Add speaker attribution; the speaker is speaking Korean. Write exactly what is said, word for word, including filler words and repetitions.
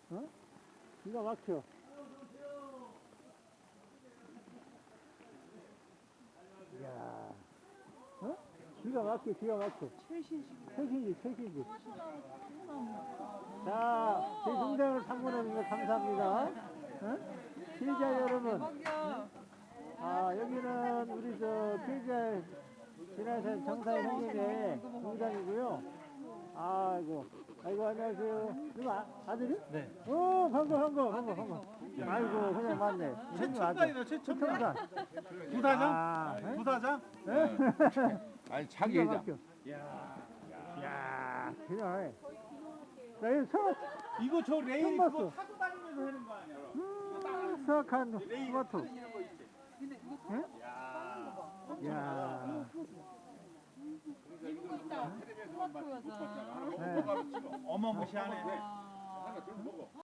Speaker 1: 어? 기가 막혀. 이야, 어? 기가 막혀, 기가 막혀.
Speaker 2: 최신식이네.
Speaker 1: 최신지, 최신지.
Speaker 2: 토마토 나무, 토마토 나무.
Speaker 1: 자, 제 동생을 참고해주셔서 감사합니다. 어? 피해자 여러분,
Speaker 2: 대박이야.
Speaker 1: 아, 여기는 우리 저 피해자 지나선 정사의 형님의 공장이고요. 아이고, 아이고, 안녕하세요. 이거 아, 아들이?
Speaker 3: 네.
Speaker 1: 오, 반가, 반가, 반가, 반가. 아이고, 그냥 맞네.
Speaker 3: 최첨단이네, 최첨단.
Speaker 1: 최첨단.
Speaker 3: 부사장?
Speaker 1: 아, 예?
Speaker 3: 부사장?
Speaker 4: 아니 자기
Speaker 1: 기가
Speaker 4: 회장.
Speaker 1: 막혀. 이야, 그냥 해. 나 이거 서,
Speaker 3: 이거 저 레일
Speaker 1: 처음
Speaker 3: 그거
Speaker 1: 봤어.
Speaker 3: 타고 다니면서 하는 거 아니야?
Speaker 1: 음, 수확한 토마토.
Speaker 2: 근데 이거
Speaker 1: 예?
Speaker 2: 토마토
Speaker 1: 이야.
Speaker 2: 이거 있다. 토마토 여자.
Speaker 1: 네.
Speaker 3: 어마무시하네.
Speaker 2: 아.